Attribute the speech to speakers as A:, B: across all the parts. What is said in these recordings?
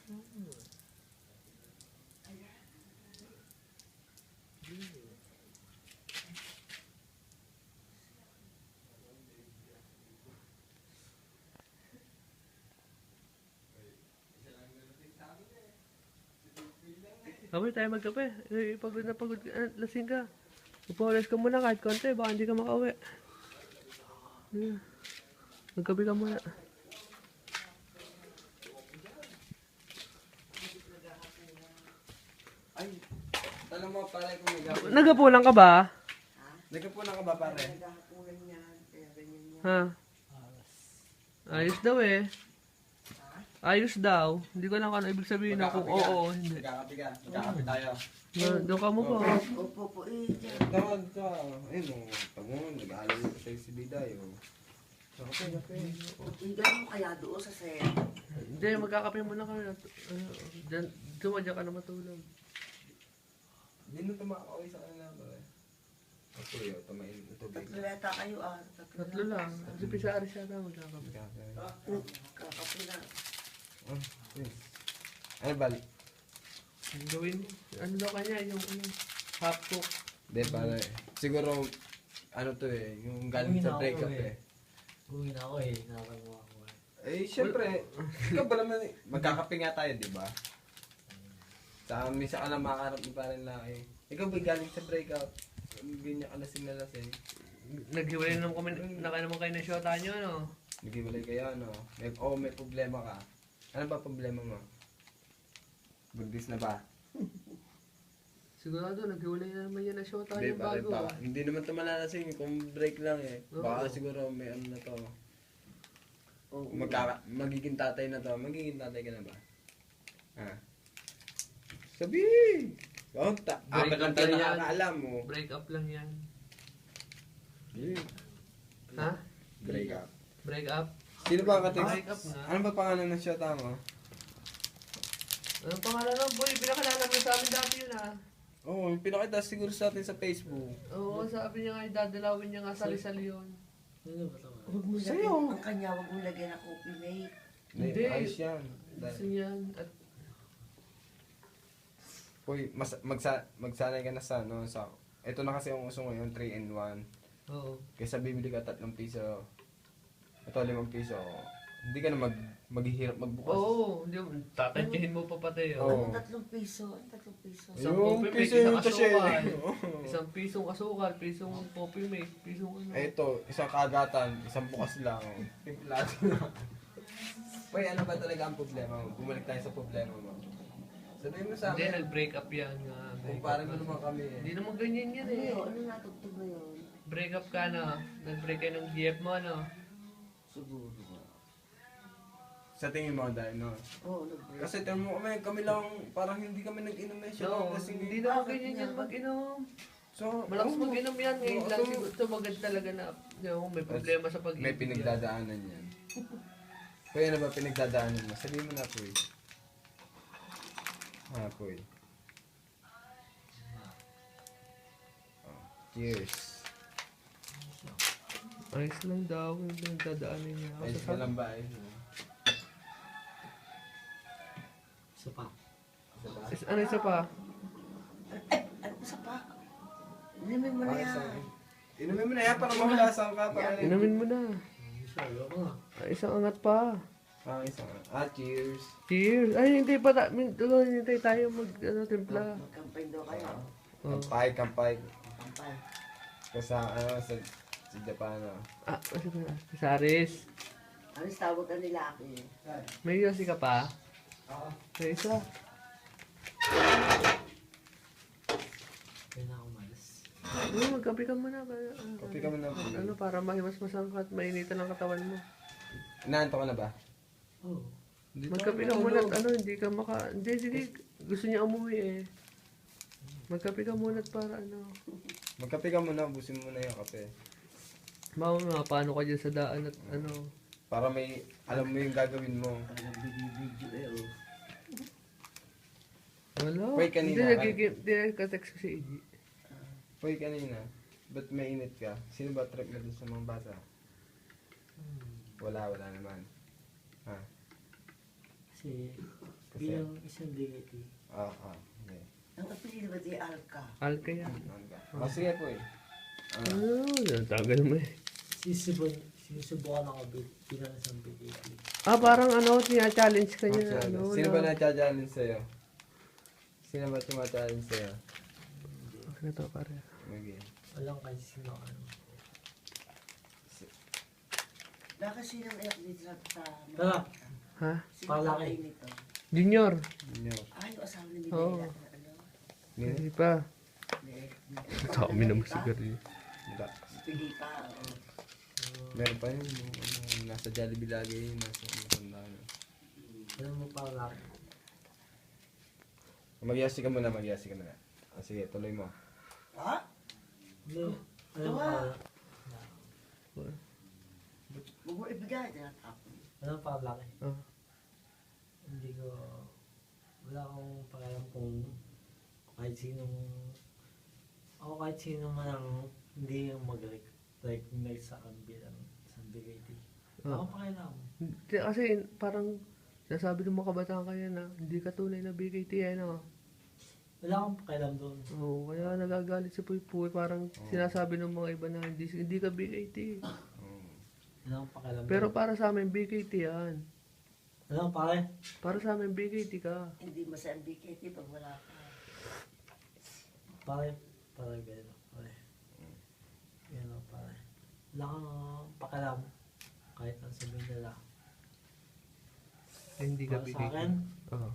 A: Kamay tayo magkape. Pagod na pagod ka. Lasing ka. Upawalas ka muna kahit konti. Baka hindi ka makauwi. Magkape ka muna.
B: Ay, tanong mo pare kung naghahapunan.
A: Nagapulang ka ba?
B: Naghapunan ka ba pare?
C: Naghahapunan yan, kaya ganyan yan.
A: Ha? Ayos daw eh. Ayos daw. Hindi ko lang kung ano ibig sabihin na kung oo o hindi.
B: Magkakapi ka. Magkakapi tayo.
A: Doon ka mo ba?
C: Opo po eh.
B: Tawag ka. Ayun o. Pag mo, nag-aalala ko sa'yo si Biday o. Kape.
C: Tingnan mo kaya doon sa set.
A: Hindi, magkakape muna kami. Dumadya ka na matulog.
B: Hindi na tumakaway sa kanila pare. Ako yun, tumain ng tubig.
C: Tatlo yata kayo ah.
A: Tatlo lang. Si Pisari siya na magkakape.
C: Kakapi na.
B: Ano balik?
A: Ang gawin, ano daw kanya, yung half cook.
B: Hindi pare. Siguro, ano to eh, yung galing sa breakup eh.
D: Uwi na ako eh, nakakamuha ko eh.
B: Eh, syempre, ikaw ba naman eh, magkakape nga tayo, di ba? Sa misa ka na makakarap mo pa rin laki. Ikaw ba galing sa breakup? Ganyan ka lasing na lasing.
A: Naghiwalay naman kami, naman kayo ng shota nyo, no?
B: Naghiwalay kayo, ano? May problema ka. Ano ba problema mo? Buntis na ba?
A: Sigurado, naghiwalay na naman yan ng shota
B: Hindi,
A: yung
B: pare,
A: bago.
B: baka. Hindi naman ito malalasing kung break lang eh. Baka siguro may ano na to. Magiging tatay na to. Magiging tatay ka na ba? Ha? Sabi! Oh, apat lang tayo nakakaalam mo.
A: Break up lang yan.
B: Yeah.
A: Ha?
B: Break up.
A: Break up?
B: Sino ba ang kating?
A: Break up nga.
B: Ano ba pangalan ng shota mo?
A: Anong pangalan nun, boy? Pinakalala mo sa amin dati yun, ah.
B: Oo, oh, pinakita siguro sa atin sa Facebook.
A: Oo, sabi niya nga, dadalawin niya nga sali-sali yun.
D: Ano ba ito?
C: Huwag mo
B: Sa'yo.
C: lagyan, ang kanya, huwag mo lagyan ng coffee mate.
A: Hindi.
B: Ayos yan.
A: Gusto niyan. At
B: Uy, magsanay ka na sa ano, sa... Ito na kasi ang uso ngayon, 3 in 1.
A: oo.
B: Kaysa bibili ka 3 piso. Ito 5 piso. Hindi ka na maghihirap magbukas.
A: Oo, hindi mo, tatantyahin mo pa pati,
B: Oo.
A: oh.
C: Ang 3 piso, ang 3 piso.
A: Isang
B: Yung
A: coffee
B: piso
A: mate,
B: yung
A: isang
B: sachet.
A: asukal.
B: Oo.
A: Isang pisong asukal, pisong coffee mate, pisong ano.
B: Eh ito, isang kagatan, isang bukas lang. Timplado lang. Uy, ano ba talaga ang problema mo? Bumalik tayo sa problema mo. Sabihin mo sa
A: Hindi,
B: akin,
A: nag-break up yan nga.
B: kumpara mo naman kami eh.
A: Hindi naman ganyan yan
C: Ano
A: eh.
C: yun? Ano natugtog na yun?
A: Break up ka na. Nag-break kayo ng GF mo, ano?
C: Siguro.
B: Sa tingin mo dahil no?
C: Oo, nag-break.
B: Kasi tingin mo kami lang, parang hindi kami nag-inom eh siya.
A: No,
B: Kasi
A: hindi naman ganyan yan mag-inom.
B: So,
A: Malakas
B: oo.
A: mag-inom yan. Ngayon
B: Oo,
A: lang
B: so,
A: siguro tumagad talaga na may problema sa pag-ibig.
B: May pinagdadaanan yan. Kuya, ano ba pinagdadaanan mo? Sabihin mo na, Puy. Ha, Puy. Oh, cheers.
A: Ayos lang daw yung pinagdadaanan niya.
B: Ayos ka lang ba? Ayos mo.
D: Isa pa.
A: Ano isa pa?
C: Ano sa pa? Inumin mo na
B: Ayos
C: yan.
B: lang. Inumin mo na yan para mahulasan ka. Para
A: Inumin mo na.
D: Isa, ayoko nga.
A: Isang angat pa.
B: Ayos lang. Cheers.
A: Cheers. Ay, hindi pa. Hintay tayo timpla.
C: Magkampay daw kayo.
A: Oh.
B: Kampay.
C: Magkampay.
B: Kasi sa Japan.
A: Kasi ba? Saris.
C: Ano tawag ka nila ako eh?
A: May yosi ka pa?
B: Oo.
A: May isa.
D: Kaya na ako malas.
A: Magkape ka muna.
B: Kape ka muna.
A: Ano, para mahimas-masang ka at mainitan ang katawan mo.
B: Inaanto ka na ba?
D: Oo.
A: Magkape ka muna at hindi ka Hindi, sige. Gusto niya umuwi eh. Magkape ka muna at para
B: Magkape ka muna, ubusin mo na yung kape.
A: Mama, paano ka dyan sa daan at
B: Para may, alam mo yung gagawin mo.
C: Parang video eh oh.
A: Wala.
B: Wait, kanina.
A: Hindi nagka-text ko si Iggy.
B: Hoy, kanina, ba't mainit ka? Sino ba trip na dun sa mga bata? Wala naman. Ha?
D: Kasi
B: Kasi?
D: bilang isang BKT.
B: Okay.
C: Ang apelido ba di Alka?
A: Alka yan.
B: Sige po eh.
A: Tagal mo eh.
D: Sinusubukan ako bilang isang BKT.
A: Parang tina-challenge ka niya.
B: Sino ba na-challenge sa'yo? Sino ba tumachallenge sa'yo?
A: Okay na to, pare.
B: Okay.
D: Walang kahit sino ano.
C: Baka sinong iyak dito sa
D: Tara.
A: Ha?
C: Sino
D: Palaki.
C: tatay nito?
A: Junior.
B: Junior.
C: Yung asawa ni
A: Oo.
C: Minela na ano?
A: Hindi pa. Dami naman sigarilyo.
B: Wala.
C: Pili pa, oo.
B: Meron pa yun. Yung nasa Jollibee lagi yun. Nasa matanda na.
D: Alam mo palaki.
B: Magyasi ka muna, magyasi ka na. Sige, tuloy mo.
C: Ha?
D: Hindi. Alam mo
C: Tawa.
D: palaki.
C: Huwag mo ibigay, tinatapon.
D: Alam mo palaki.
A: Ah.
D: Hindi ko... Wala akong pakialam kung kahit sinong... Ako kahit sino man ang hindi yung mag-recognize sa akin bilang isang BKT. Wala akong pakialam.
A: Kasi parang nasabi ng mga kabataan kaya na hindi ka tunay na BKT yan
D: Wala akong pakialam doon.
A: Oo, kaya nagagalit si Puy Puy. Parang sinasabi ng mga iba na hindi ka BKT.
D: Wala akong pakialam
A: Pero
D: doon.
A: para sa amin, BKT yan.
D: Alam mo pare?
A: Para sa amin, BKT ka.
C: Hindi masayang BKT pag wala ka.
D: Pare gano'n. Pare. Gano'n pare. Wala kang pakialam. Kahit ang sabihin nila.
A: Hindi ka
D: Para
A: BKT.
D: sa akin,
A: Oo.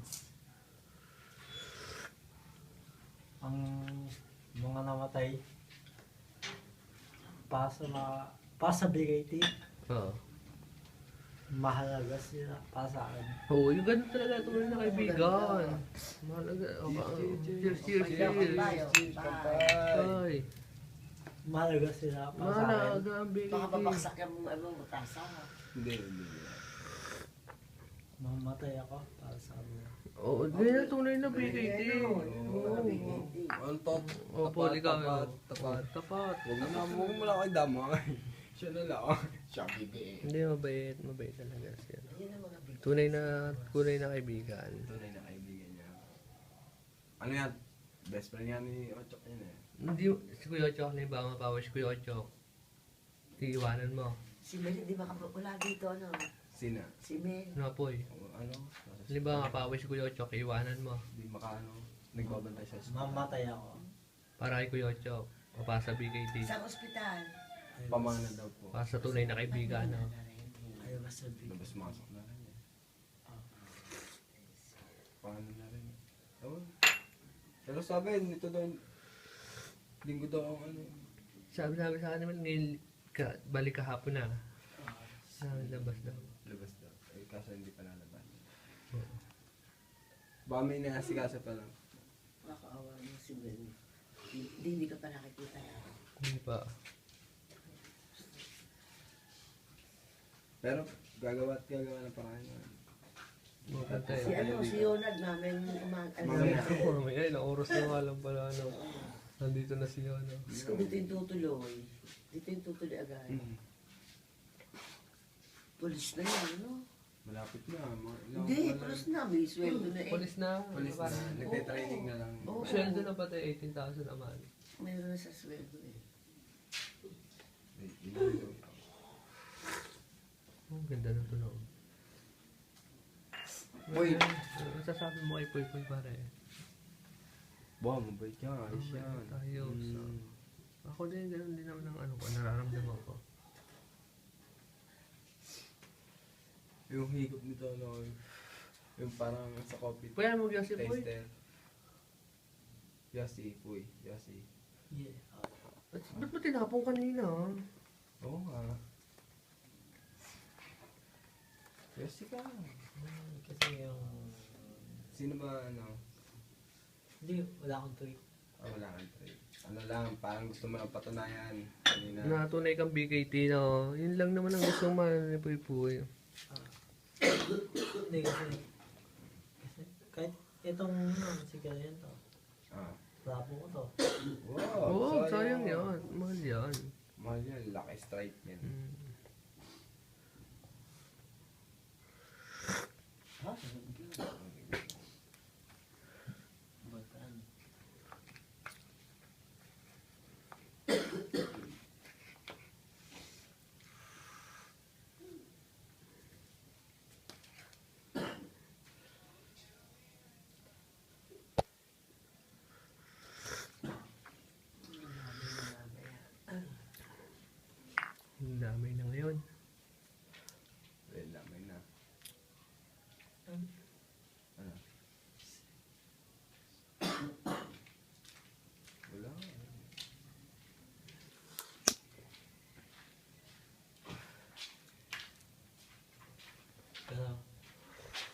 D: ang mga namatay para sa BKT,
A: Oo.
D: mahalaga sila para sa akin.
A: Oo, yung ganun talaga tunay na kaibigan. Mahalaga. Cheers, cheers,
C: Tayo,
A: cheers.
C: bye.
A: Ay,
D: Mahalaga sila para sa akin.
A: mahalaga ang
C: Baka
A: BKT.
C: babaksak yung ano, matasa.
B: Hindi.
D: Mamatay ako para sa kanila.
A: Oo, ganyan tunay na BKT. Oo.
B: Ang top.
A: Opo, ikaw.
B: Tapat.
A: Tapat.
B: Huwag mo lang kayo damay. Siya na lang. Siya BBA.
A: Hindi, mabait. Mabait talaga siya.
C: Yun ang mga big.
A: Tunay na kaibigan.
B: Tunay na kaibigan niya. Ano yan? Best friend nga ni Ochok yun eh.
A: Hindi, si Kuya Ochok, na ba mapawa si Kuya Ochok? Iiwanan mo.
C: Si Mel, hindi makapula dito, ano?
B: Sina?
C: Si Mel.
A: Ano po
B: Ano?
A: Di ba mapawa si Kuya Ochok, iiwanan mo.
B: Di makaano. Nagbabantay sa school.
D: Mamatay ako.
A: Para kay Kuya Ochok. O para sa BKT.
C: Sa ospital.
D: Ayaw
B: Pamana daw po.
A: Para sa tunay na kaibigan. No?
D: Ayaw ba sabihin?
B: Labas-masok na rin eh. Paano na rin. Ewan. Pero sabi, nito daw, linggo daw ang ano.
A: Sabi sa akin naman, balik kahapon na. Labas daw.
B: Labas daw. Eh, kaso hindi pa nalabas. Baka may inaasikaso pa lang.
C: Nakaawa mo si Mel. Hindi ka pa nakikita yan.
A: Hindi pa.
B: Pero gagawa ng paraan na.
A: Maganda
C: Si ano, si Yonad namin
B: Mamaya.
A: Mamaya, ilang oras na nga lang pala. No? Nandito na siya. No?
C: Diyos ko, dito yung tutuloy. Dito yung tutuloy agad. Pulis na yan, ano?
B: Malapit na.
C: Hindi, pulis na. May sweldo na eh.
A: Polis na.
B: Police na. Nagte-training na lang.
C: Oo.
A: Sweldo na pati 18,000 naman.
C: Mayroon na sa sweldo eh.
A: Oh, ganda ng tunog.
B: Uy!
A: Ano sasabi mo kay Puy Puy pare?
B: Wow, mabait ka. Ayos
A: Mabait
B: yan.
A: tayo, so- Ako din, ganun din naman ang ano ko, nararamdaman ko.
B: Yung higop nito, ano, yung parang sa coffee.
A: Puy, ano mag-yasi Puy?
B: Taster. Yasi, puy. Yasi.
D: Yeah.
A: Ba't mo tinapong kanina?
B: Oo nga. Yasi ka.
D: Kasi yung...
B: Sino ba, ano?
D: Hindi, wala akong tweet.
B: Wala kang trade. Ano lang, parang gusto mo lang patunayan. Kanina.
A: Na tunay kang BKT, no? Yun lang naman ang gusto mo ni Puy Puy.
D: Hindi kasi kahit itong si Kalian to,
B: Ah.
D: bravo ko to.
B: Wow,
A: Oo, sayang yan. Mahal yan.
B: Mahal yan. Lucky strike yan.
A: Mm.
C: Ha?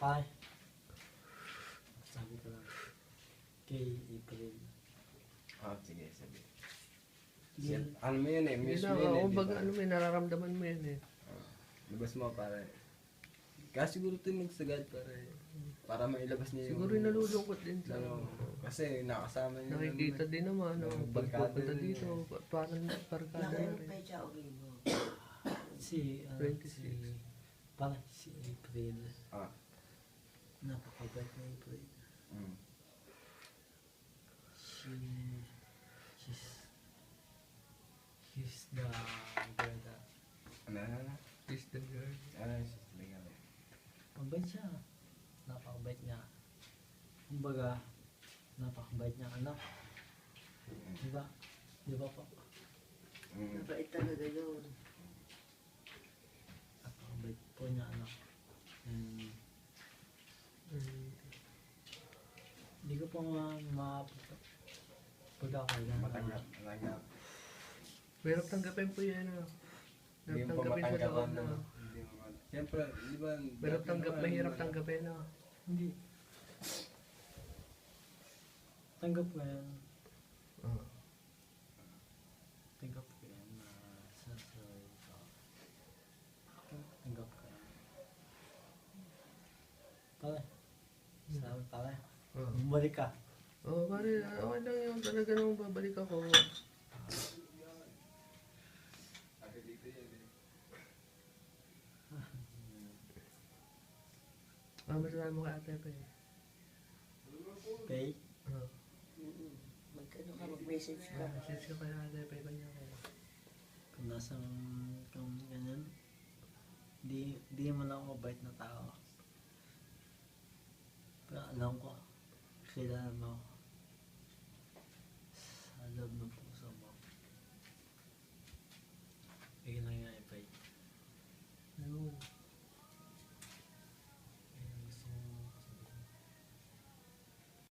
D: Pai. Sabi ko lang. Kay April.
B: Sige, sabi.
D: Yun.
B: Ano mo yun eh,
A: Hindi
B: miss
A: na,
B: mo yun eh,
A: oo,
B: di
A: baga,
B: ba?
A: ano may nararamdaman mo yan eh.
B: Labas mo para. Kaya siguro ito yung nagsagad para mailabas niya yung...
A: Siguro yung nalulungkot din sa
B: Ano, kasi nakasama niya.
A: nakikita din naman, no,
B: Yung
A: pag
B: barkada
A: pupunta
B: rin
A: dito, parang barkada
C: Nakailan
A: rin.
C: pa siya o mo.
D: Si,
A: 26.
D: parang si April.
B: Ah.
D: Napakabait na April.
B: Mm.
D: She's the girl that,
B: Ano?
A: Is the girl.
B: She's legal.
D: mabait siya. Napakabait niya. Kumbaga, napakabait niya anak. Diba? Diba po?
C: Mabait talaga yun.
D: Napakabait po niya anak. And, hindi ko pa pagkakailan
B: Matanggap.
A: Mahirap tanggapin po yan, no.
B: Hindi
A: Mahirap
B: mo pa
A: tanggapin sa
B: matanggapan.
A: loob, no.
B: Siyempre, di ba?
A: Mahirap tanggapin, no.
D: Hindi. Tanggap ko yan. Tanggap ko yan na sa sarili ko. Tanggap ko yan. Pare. Salamat pare. Bumalik ka.
A: Oo, pare, okay lang yun. Talaga nung babalik ako. Masasabi mo kay ate pa eh.
D: Okay?
A: Oo.
C: Magkano ka, mag-message ka.
A: Message ko kay ate pa, kanya ko.
D: Kung nasang kung ganyan, di mo lang ako mabait na tao. Pero alam ko, kailangan mo ako.